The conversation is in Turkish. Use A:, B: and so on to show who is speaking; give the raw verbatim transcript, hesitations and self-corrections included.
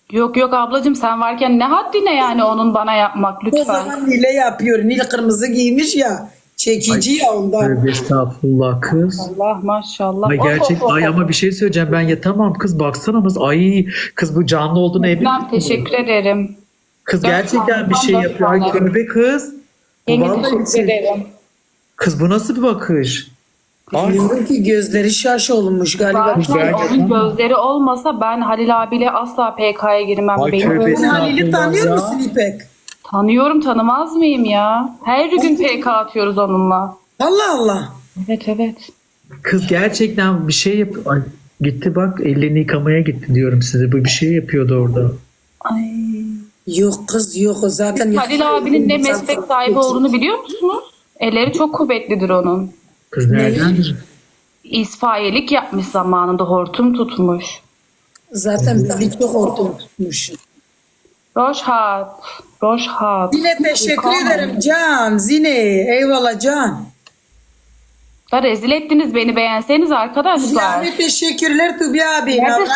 A: Yok yok ablacığım, sen varken ne haddine yani onun bana yapmak,
B: O
A: lütfen.
B: zaman Nil'e yapıyor. Nil kırmızı giymiş ya. Çekici ya ondan.
C: Tövbe estağfurullah kız.
A: Allah maşallah.
C: Ay
A: Of,
C: gerçek
A: of, of,
C: ay
A: of.
C: ama bir şey söyleyeceğim, ben yatamam kız, baksana kız, ay kız bu canlı olduğunu emin
A: İslam,
C: misin?
A: teşekkür ederim.
C: Kız
A: Dört
C: gerçekten
A: tane,
C: bir
A: tam
C: şey
A: dört
C: yapıyor. Ay
A: tane.
C: tövbe kız. Bu
A: Yenge
C: vallahi bir
A: teşekkür
C: şey.
A: ederim.
C: Kız bu nasıl bir bakış? Ay,
B: Bilmiyorum ki gözleri şaş olmuş galiba.
A: Zaten
C: ben-
A: onun gözleri olmasa ben Halil abiyle asla P K'ya girmem.
C: Ay,
A: Benim
C: tövbe
B: Sen Halil'i tanıyor
C: ya.
B: musun İpek?
A: tanıyorum, tanımaz mıyım ya? Her gün P K atıyoruz onunla.
B: Allah Allah.
A: Evet evet.
C: kız gerçekten bir şey yap. Ay, gitti bak, ellerini yıkamaya gitti diyorum size. Bu bir şey yapıyordu orada.
A: Ay.
B: Yok kız yok o zaten.
A: Halil abinin ne meslek sahibi olduğunu biliyor musunuz? Elleri çok kuvvetlidir onun.
C: Kız nereden?
A: İsfaiyelik yapmış zamanında, hortum tutmuş.
B: Zaten bizi çok ortam tutmuş.
A: Roşhat. Roşhat.
B: Zine teşekkür ederim Can. Zine eyvallah Can.
A: Da rezil ettiniz beni, beğenseniz arkadaşlar.
B: Yani teşekkürler Tubi abi.
A: Nerede